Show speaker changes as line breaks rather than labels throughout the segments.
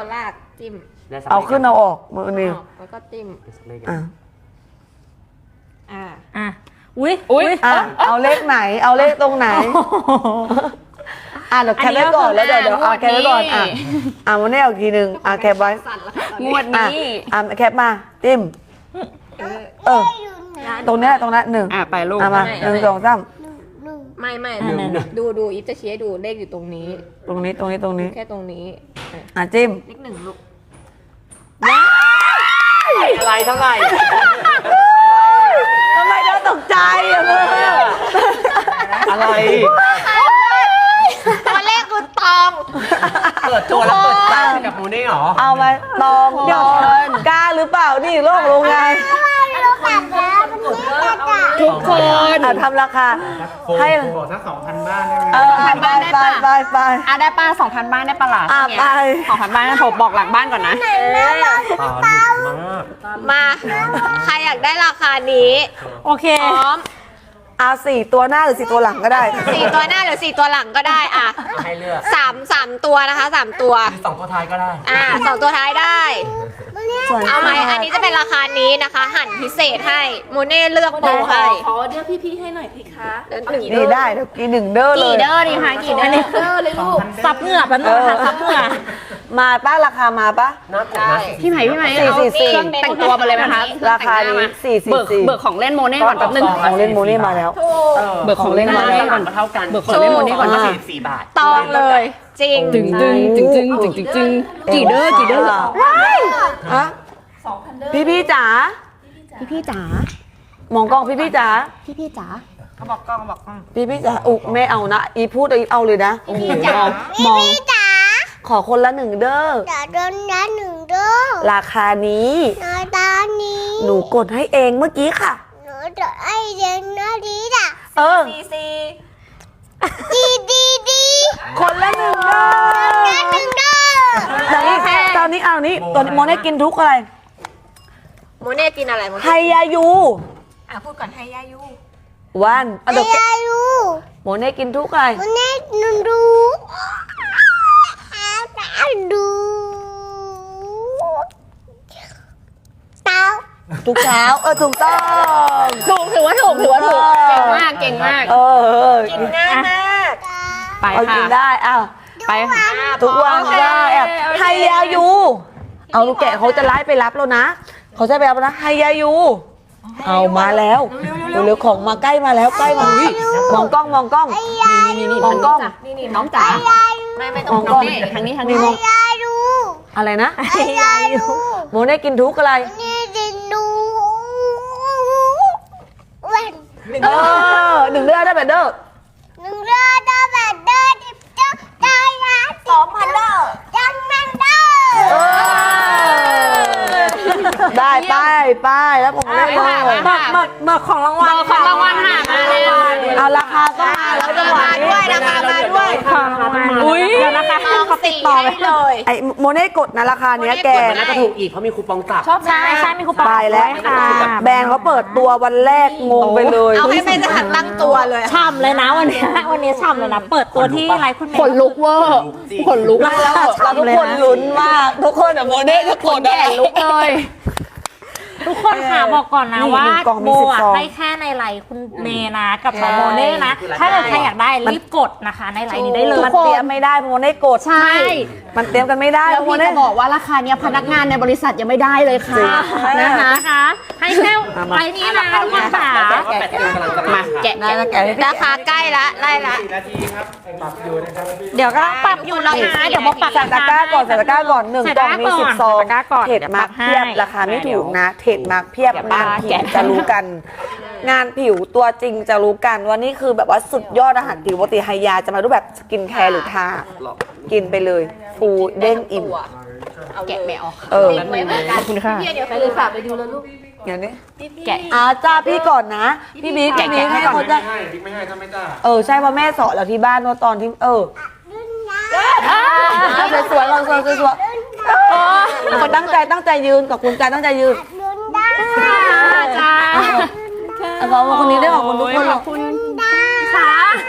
เอาลากจิ้ม
เอาขึ้นเอาออกมือนิ้ว
แล้วก็จิ้ม
อุ้ย
เอาเลขไหนเอาเลขตรงไหนเดี๋ยวแคปไว้ก่อนแล้วเดี๋ยวเอาแคปไว้ก่อนวันนี้เอาทีนึงแคปไว้
งวดนี้
แคปมาจิ้มตรงนี้หนึ่ง
ไปลูก
มา1 2 3
ไม่ดูอีฟจะชี้ให้ดูเลขอยู่ตรงนี้
แค่ตรงนี้
จิ้
ม
เลข1ลูก
อะไรเท่าไหร่
ทำไมเธอตกใจ
อะไร
ตัวเลขคือตอง
เปิดตัวแล้วเปิดใจกับโมเน่หรอ
เอามาตองกล้าหรือเปล่านี่โลกโรงงาน
ทุกคน
ทำราคาให้
บอกสัก 2,000 บ้านได้ไหม
ไป
ได้ป้า 2,000 บ้านได้ปะล่ะ
ไป
2,000 บ้านผมบอกหลังบ้านก่อนนะ
มาใครอยากได้ราคานี้
โอเค
พร้อม
4 ตัวหน้าหรือ4 ตัวหลังก็ได้
4 ตัวหน้าหรือ4 ตัวหลังก็ได้
ให้เลือก
3 ตัวนะคะ3 ตัว
2 ตัวท้ายก็ได้
2 ตัวท้ายได้เอาไหมอันนี้จะเป็นราคานี้นะคะหั่นพิเศษให้โมเน่เลือกโปรให้
ขอเดี๋ยวพี่ๆให้หน่อยพี่คะ
นี่ได้เดี๋ยวกิน1 เด้อเลย
กี่เด้อดีคะกี่เด้อ
เลยลูก
ซับเหงื่อแป๊บนึงค่ะซับเหงื่อ
มาป้าราคามาปะ
พี่ไหมเอาเครื่องแต่งตัวมาเลยไหมคะ
ราคานี้
444เบิกของเล่นโมเน่ก่อนแป๊บนึง
ของเล่นโมเน่มาแล้ว
เบิกของเล่นโมเน่ก่อนเท่ากันเบิกของเล่นโมเน่ก่อน44 บาท
ตองเลยจริง
จึงกี่เด้อ
พี่จ๋า
จ๋าม
องกล้องพี่จ๋า
เขาบอกกล้อง
พี่จ๋าไม่เอานะอีพูดเอาเลยนะ
พี่จ๋ามอง
ขอคนละ1 เด้อราคานี้หนูกดให้เองเมื่อกี้ค่ะ
หนูจะให้เองนะดีจ้ะ
คนละ1 เด้อตอนนี้โมเน่กินทุกอะไร
โมเน่กินอะไร
ไฮยายู
พูดก่อนไฮยายู
วันไฮยายูโมเน่กินทุกอะไร
โมเน่ดู
ทุกเช้าถูกต้อง
ถือว่าถูกเก่งมาก
กินง่ายมาก
ไปค่ะ
กินได้ไปทุกวันได้ไฮยายูเอาลูกแกะเขาจะไล่ไปรับแล้วนะเขาจะไปรับนะไฮยายูเอามาแล้วเร็วของมาใกล้มาแล้วใกล้มามองกล้องนี่มองกล้อง
นี่น้องจ๋าไม่ต้องน้องนี่
ทางนี้
มองอะไรนะโมเน่กินทุกอะไร1 เดือนได้แบบเด้อ
2,000 เด้อ
ได้ป้ายแล้วผมได้เลย
เบิกของรางวัลค่ะ
เอาราคาก็มาแล้วจังหวะนี้
ราคามาด้วย
เดี๋ยวนะคะ
เขาติดต่อไปเลย
ไอโมเน่กดนะราคาเนี้ยแก
น่าจะถูกอีกเพราะมีคูปองจับ
ใช่มีคูปอง
ไปแล้วแบรนด์เขาเปิดตัววันแรกงงไปเลย
เอาให้เป็นสถานตั้งตัวเลย
ฉ่ำเลยนะวันนี้ฉ่ำเลยนะเปิดตัวที่ไรคุณแม่
ขนลุกเวอร์ขนลุก
แล้วเราทุกคนลุ้นมากทุกคนโมเน่ทุกคน
แก่ลุกเลย
ทุกคนค่ะบอกก่อนนะว่าโบให้แค่ในไลน์คุณเมย์นะกับโมเน่นะถ้าเกิดใครอยากได้รีบกดนะคะในไลน์นี้ได้เลย
มันเตรียมไม่ได้โมเน่กด
ใช่
มันเตรียมกันไม่ได้
แล้วพี่จะบอกว่าราคาเนี้ยพนักงานในบริษัทยังไม่ได้เลยค่ะ
นะคะให้แค่ไลน์นี้นะทุกคนค่ะ
มาแกะราคาใกล้ละไล่ละ
เดี๋ยวก็ปรับอยู่แล้วนะเดี๋ยวบอกปรับ
ใส่ตะกร้าก่อน1 กล่องมี10 ซองเทรดมาร์คเพียบราคาไม่ถูกนะเทรดมาร์คเพียบงานผิวจะรู้กันงานผิวตัวจริงจะรู้กันว่านี่คือแบบว่าสุดยอดอาหารผิวปกติไฮยาจะมารูปแบบสกินแคร์หรือทากินไปเลยฟูเด้งอิ่ม
แกะไม่ออก
ขอบคุณค่ะ
เดี๋ยวไปเลยฝากไปดูแล้วลูก
อย่างนี้
แกะ
จ้าพี่ก่อนนะพี่บิ๊กให้คนจะ
บิ๊กไม่ให้ถ้าไม่จ้า
ใช่เพราะแม่สอนเราที่บ้านว่าตอนที่สวยๆเราสวยๆคนตั้งใจยืนกับคุณใจตั้งใจยืน
จ้า
ขอบคุณคนนี้ได้ขอบคุณทุกคน
ขอบคุณค่ะ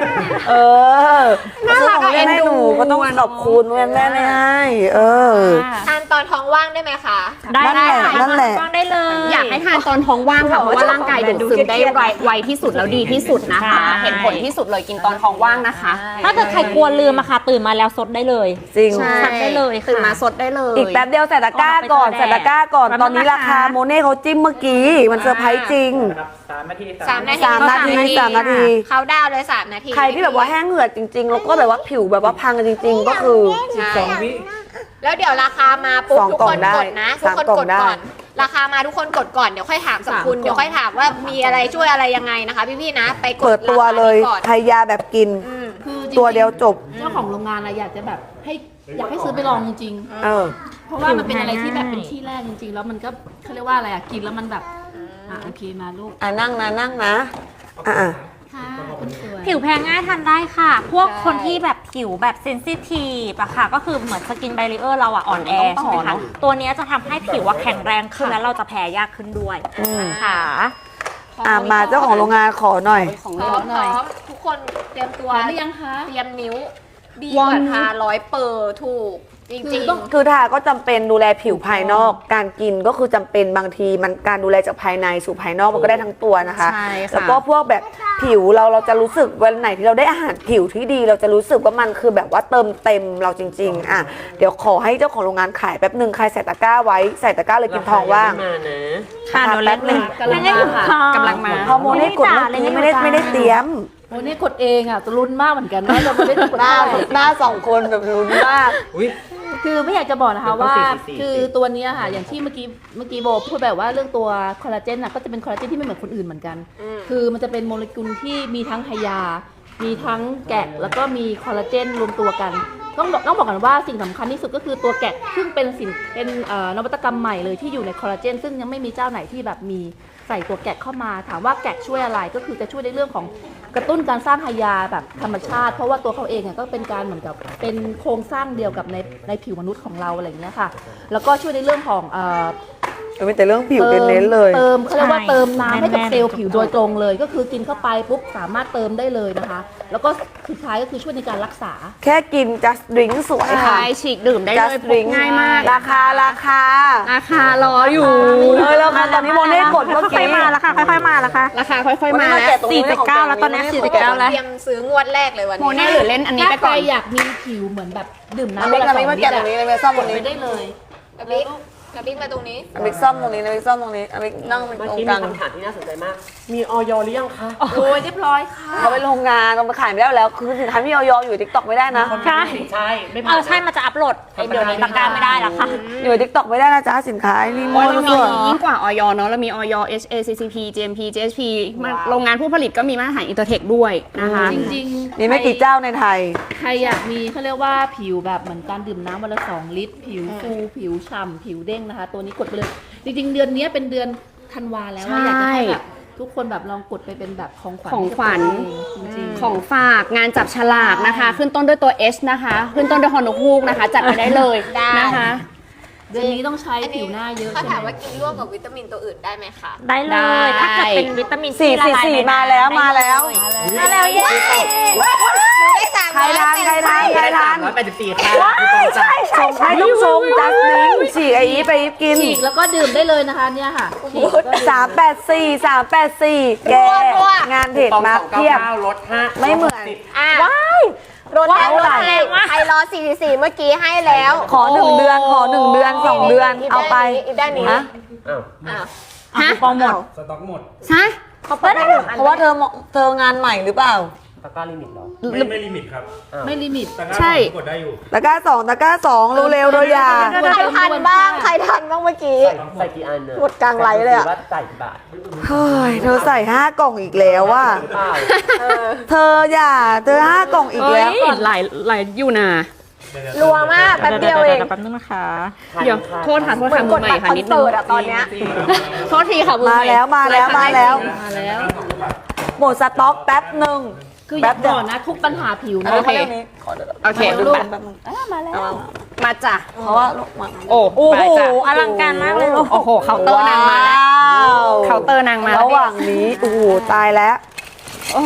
เออซื้อของเล่นให้หนูก็ต้องขอบคุณแม่แม่ไม่ให้
ทานตอนท้องว่างได้ไหมคะ
ได้ค่ะ
นั่นแหละ
ฟังได้เลย
อยากให้ทานตอนท้องว่างค่ะเพราะว่าร่างกายดูดซึมได้ไวที่สุดแล้วดีที่สุดนะคะ เห็นผลที่สุดเลยกินตอนท้องว่างนะคะ
ถ้าเกิดใครกลัวลืมอะค่ะตื่นมาแล้วซดได้เลย
จริง
ซัดได้เลยค่ะ
ตื่นมาสดได้เลย
อีกแป๊บเดียวใส่ตะกร้าก่อนใส่ตะกร้าก่อนตอนนี้ราคาโมเน่เขาจิ้มเมื่อกี้มันเซอร์ไพรส์จริง
3 นาที
3 นาที
3 นาที 3 นาที
เขาดาวน์เลย3 นาที
ใครที่แบบว่าแห้งเหือดจริงๆแล้วก็แบบว่าผิวแบบว่าพังกันจริง ๆ ก็คือ
ใช่
2 วิ
แล้วเดี๋ยวราคามาปุ๊บ
2
ทุก
กล่
ค
อง
น
ได้
กดนะทุกคน
3 กล่อง
กด
ได้
ก่อน ราคามาทุกคนกดก่อนเดี๋ยวค่อยถามสักคุณเดี๋ยวค่อยถามว่ามีอะไรช่วยอะไรยังไงนะคะพี่ๆนะไปกด
เปิดตัวเลย
ราคานี้ก่อน
ไทยยาแบบกิน
คือจริงๆ
ตัวเดียวจบ
เจ้าของโรงงานอะอยากจะแบบอยากให้ซื้อไปลองจริง
เออ
ๆ เพราะว่ามันเป็นอะไรที่แบบเป็นที่แรกจริงๆ แล้วมันก็เขาเรียกว่าอะไรอะกินแล้วมันแบบโอเคมาลูก
นั่งนะอ่ะ
ค่ะคุณสวย
ผิวแพ้ง่ายทานได้ค่ะ พวกคนที่แบบผิวแบบเซนซิทีฟอะค่ะ ก็คือเหมือนสกินไบเรอร์เราอะอ่อนแอใช่ไหมคะ ตัวเนี้ยจะทำให้ผิวว่าแข็งแรงขึ้นแล้วเราจะแพ้ยากขึ้นด้วยค่ะ
มาเจ้าของโรงงานขอหน่อย
ของ
พร้
เล่
อน ม
หน่อย
ทุกคนเตรียมตัว
พร้อมหรือยังคะ
เตรียมนิ้วดีกว่าทา100%ถูกจริงๆ
คือทาก็จำเป็นดูแลผิวภายนอก การกินก็คือจำเป็นบางทีมันการดูแลจากภายในสู่ภายนอกมันก็ได้ทั้งตัวนะคะ
ใช่ค่ะ
แล้วก็พวกแบบผิวเราจะรู้สึกวันไหนที่เราได้อาหารผิวที่ดี เราจะรู้สึกว่ามันคือแบบว่าเติมเต็มเราจริงๆเดี๋ยวขอให้เจ้าของโรงงานขายแป๊บหนึ่งใครใส่ตะกร้าไว้ใส่ตะกร้าเลยกินทองว่าง
ค่ะเดี๋ยวแป๊บนึง
กำลังมาค่ะ
กำลังมา
ฮอร์โมนให้กดเมื่อกี้ไม่ได้เตรียม
โอ้นี่กดเองอ่ะจะลุ้นมากเหมือนกันนะเราไม่ได้กด
หน้า2 คนแบบรุนมาก
อุ้ย
คือไม่อยากจะบอกนะคะ
ต้อง
ว่า
44
คือตัวเนี้ยค่ะ อย่างที่เมื่อกี้โบพูดแบบว่าเรื่องตัวคอลลาเจนน่ะก็จะเป็นคอลลาเจนที่ไม่เหมือนคนอื่นเหมือนกัน คือมันจะเป็นโมเลกุลที่มีทั้งไฮยา มีทั้งแกะแล้วก็มีคอลลาเจนรวมตัวกัน ต้องบอกกันว่าสิ่งสำคัญที่สุดก็คือตัวแกะซึ่งเป็นนวัตกรรมใหม่เลยที่อยู่ในคอลลาเจนซึ่งยังไม่มีเจ้าไหนที่แบบมีใส่ตัวแกะเข้ามาถามว่าแกะช่วยอะไรก็คือจะช่วยในเรื่องของกระตุ้นการสร้างไฮยาแบบธรรมชาติ เพราะว่าตัวเขาเองก็เป็นการเหมือนกับเป็นโครงสร้างเดียวกับในผิวมนุษย์ของเราอะไรอย่างเงี้ยค่ะแล้วก็ช่วยในเรื่องของ
เป็นแต่เรื่องผิวเน้นๆเลย
เติมเขาเรียกว่าเติมน้ำให้กับ
แน่นๆ
เซลล์ผิวโดยตรงเลย ก็คือกินเข้าไปปุ๊บสามารถเติมได้เลยนะคะ แล้วก็สุดท้ายก็คือช่วยในการรักษา
แค่กิน just drink สวยค่ะ
ใช่ฉีกดื่มได้เลย
just
พก
drink
ง่ายมาก
ราคา
ราคารออยู่
แล้วค่ะตอนนี้โมเน่กดเมื่อ
ค่อย
กี้
ๆมาแล้วค่ะค่อยๆมาแล้วค่ะ
ราคาค่อยๆมาแล้ว
49แล้วตอนนี้49แล้ว
เตรียมซื้องวดแรกเลยวัน
โม
นี้
เน่หรือเล่นอันนี้
ถ้า
ไป
ใคร
ก่อน
อยากมีผิวเหมือนแบบดื่มน้ำ
บิ๊ก
วันละ
บิ๊กมาแกะตรงนี้เลยไปซ่อมตรงนี้
ไปได้เลย
กับบิ๊กมาตรงนี้
บิ๊กซ่อมตรงนี้นะบิ๊กซ่อมตรงนี้บิ๊กนั่งเป็นตรงกลาง
มีออยหรือยังคะ
โอ้ยเรียบร้อยค่ะ
เขาไปโรงงานเราไปขายไม่ได้แล้วคือสินค้ามีออยอยู่ทิกตอกไม่ได้นะ
ใช่
ใช่ไม่ผ่าน
ใช่มันจะอัพโหลดเดี๋ยวนี้ตะกร้าไม่ได้แล้วค่ะ
อยู่ทิกตอกไม่ได้นะจ๊ะสินค้านี่มั่ว
เรา
ซั่
มี
ว
ยิ่งกว่าออยเนาะเรามีออย HACCP GMP GSP โรงงานผู้ผลิตก็มีมาตรฐานอินเตอร์เทคด้วยนะคะ
จริงๆ
มีไม่กี่เจ้าในไทย
ใครอยากมีเขาเรียกว่าผิวแบบเหมือนการดื่มน้ำวันละ2 ลิตร ผิวฟูผิวฉ่ำผิวเด้งนะคะ ตัวนี้กดไปเลย จริงๆ เดือนนี้เป็นเดือนธันวาแล้วอะอยากจะให้แบบทุกคนแบบลองกดไปเป็นแบบของขวัญ
ของขวัญ
จริงๆ
ของฝากงานจับฉลากนะคะ ขึ้นต้นด้วยตัว H นะคะ ขึ้นต้นด้วยฮอนกฮูกนะคะ จัดไปได้เลย
ได้
นะคะ
เดือนนี้ต้องใช้ผิวหน้าเยอะ
เขา
ใช่
ถาม
ไหม
ว่ากินร่วมกับวิตามินตัวอื่นได้ไหมคะ
ได้เล
ได้
ย ถ้าเกิดเป็นวิตามิน
4
ละลายใน
4
น้ำ
มาแล้ว
ได้
มาแล้ว
มาแล้วเย้
ได้สาม
ใครทานใครทานใครทาน
184ค่ะคูปองจ่าย
ชงให้ต้องชงจัสมินฉีกไอ้อีฟไปอีฟกิน
ฉีกแล้วก็ดื่มได้เลยนะคะเนี่ยค่ะฉีกแล้วก็ดื่ม
384แกงานเด็ดมาเพียบ
ลด5
ไม่เหมือน
รถแล้ว
เท่าไหร่
ใครรอ44เมื่อกี้ให้แล้ว
ขอ1 เดือนขอ1 เดือน 2 เดือนเอาไป
อีกด้านนี้
ฮะ
อ้าว
ฮะ
คูปองหมด
สต็อกหมด
ฮะ
เขาเปิดได้หนึ่งอัน
เพราะว่าเธองานใหม่หรือเปล่า
ตะกร้าลิมิตเหรอ ไม่ลิมิตครับ
ไม่ลิมิต
ตะกร้า
ใช่
กดได้อยู่
ตะกร้า2เร็วๆโดยอย่า
ใครทันบ้างใครทันบ้างเมื่อกี้
ใส่กี่อันเนี่ย
หมดกลางไลฟ์เลยอะ
ว่าจ่ายกี่บาท
เฮ้ยเธอใส่5 กล่องอีกแล้วว่ะ
เปล่า
เธออย่าเธอ5 กล่องอีก
เอ้
แล้ว
ยหลายอยู่นะ
รัวมากแป๊บเดียวเอง
แป๊บนึงนะคะ
เดี๋ยวโทษค่ะโทษ
เหมือ
ค่ะ
น
มื
ก
อ
ด
ใหม่
บัตรค
ค่ะ
อน
นิดนึ
เสิ
ง
ร์ตอะตอนเนี้ย
โทษทีค่ะมือ
มา
ใหม่
แล้วมาแล้วมาแล้ว
มาแล้ว
หมดสต็อกแป๊บหนึ่ง
คืออยากบอกนะทุกปัญหาผิวนะ
โอเค โอเค
มาลูก
มาจ้ะ
เพราะว่าลูกมา
โอ้
โอ้
ไป
โห
จ้ะ
อลังการมากเลยลูก
โอ้โหเคาน์เตอร์นางมาแล้ว
ว้าว
เคาน์เตอร์นางมา
ระหว่างนี้โอ้โหตายแล้ว
โอ้ย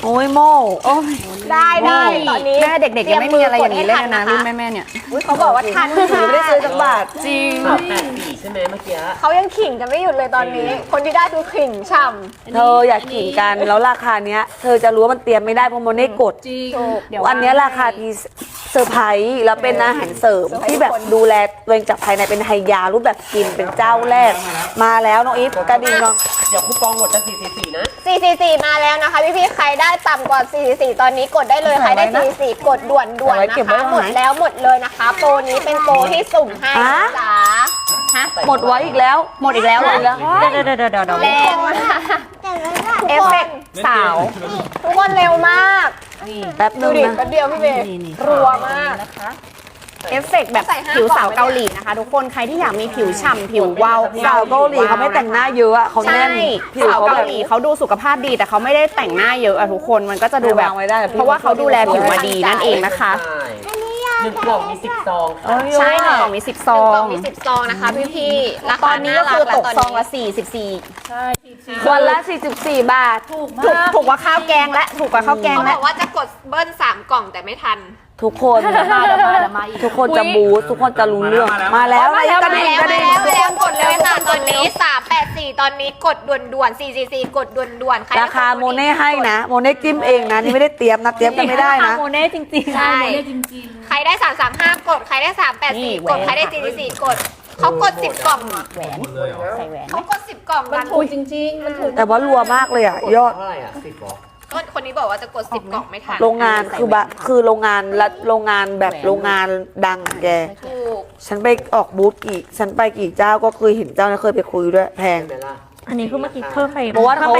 โอ้ยโม่โอ้ย
ได้ตอนนี้
แม่เด็กๆยังไม่มีอะไรอย่างนี้เลยนะรุ่นแม่ๆเนี่ย
อุ๊ยเขาบอกว่าทัน
หนูไม่ได้ซื้อสักบาท
จริง
384ใช่ไหมเมื่อกี้
เขายังขิงกันไม่หยุดเลยตอนนี้ คนที่ได้คือขิงฉ่ำ
เธออยากขิงกันแล้วราคาเนี้ย เธอจะรู้ว่ามันเตรียมไม่ได้เพราะโมเน่กด
จริง
อันเนี้ยราคาที่เซอร์ไพรส์แล้วเป็นอาหารเสริมที่แบบดูแลตัวเองจากภายในเป็นไฮยารูปแบบกินเป็นเจ้าแรก มาแล้วน้องอีฟกระดิ่งน้อง
เดี๋ยวคูปองหมดจะ444นะ
444 มาแล้วนะคะพี่ๆใครได้ต่ำกว่า444ตอนนี้กดได้เลยใครได้444กดด่วนๆนะคะหมดแล้วหมดเลยนะคะ โปรนี้เป็นโปรที่สุ่มให้นะจ๊ะ
หมดไว้อีกแล้ว
หมดอีกแล้วเหรอ
เดี๋ยว
แรงมาก
เอฟเฟกต์สาว
ทุกคนเร็วมาก
แป๊บนึ
ดู
ง
ดิ
นะ
แป๊บเดียวพี่เมย์รัวมาก
เอฟเฟกต์แบบผิวสาวเกาหลีนะคะ ทุกคนใครที่อยากมีผิวฉ่ำผิววาว
สาวเกาหลีเขาไม่แต่งหน้าเยอะอะเขา
ใช่
แน่นผิว
สาว
เขา
เกา
แบบ
หลีเขาดูสุขภาพดีแต่เขาไม่ได้แต่งหน้าเยอะอะทุกคนมันก็จะดูแบบ
วางไว้ได้
เพราะว่าเขาดูแลผิวมาดีนั่นเองนะคะ
ใช่หนึ่งกล่องมี10ซองค่ะ
ใช่หนึ่งกล่องมี10ซอ
กล่อง งมี10ซองนะคะพี่ๆรา
ต
คา
อนนี้ก็คือตกซองละ
44
44
วันละ 44 บาท
ถูก
ถูก
มาก
ถูกกว่าข้าวแกงและถูกกว่าข้าวแกง
เขาบ
และ
อกว่าจะกดเบิ้ล3 กล่องแต่ไม่ทัน
ทุกคน
มาอีก
ทุกคนจะบูสทุกคนจะรู้เรื่องมาแล้วกระดิ่งกระดิ่ง
แล้วกดเลยค่ะตอนนี้384ตอนนี้กดด่วนๆ444กดด่วนๆใคร
ราคาโมเน่ให้นะโมเน่จิ้มเองนะนี่ไม่ได้เตรียมนะเตรียมกันไม่ได้นะ
โมเน่จริงๆ
ใช่
จริง
ใครได้335กดใครได้384กดใครได้444กดเขากด10 กล่อง
แหวนใส่แหวน
เขากด10 กล่อง
ๆ มันถูกจริงๆ มันถูก
แต่ว่ารัวมากเลยอ่ะยอด
เท่าไหร่อ่ะ10หรอ
ก็คนนี้บอกว่าจะกด10 กล่องไม่ทัน
โรงงานคือโรงงานละโรงงานแบบโรงงานดังอะแก
ถูก
ฉันไปออกบูธกี่ฉันไปกี่เจ้าก็เคยเห็นเจ้านะเคยไปคุยด้วยแพง
ใช่ไหมล่ะ
อันนี้คือเมื่อกี้เพิ่มไป
เพราะว่าเขา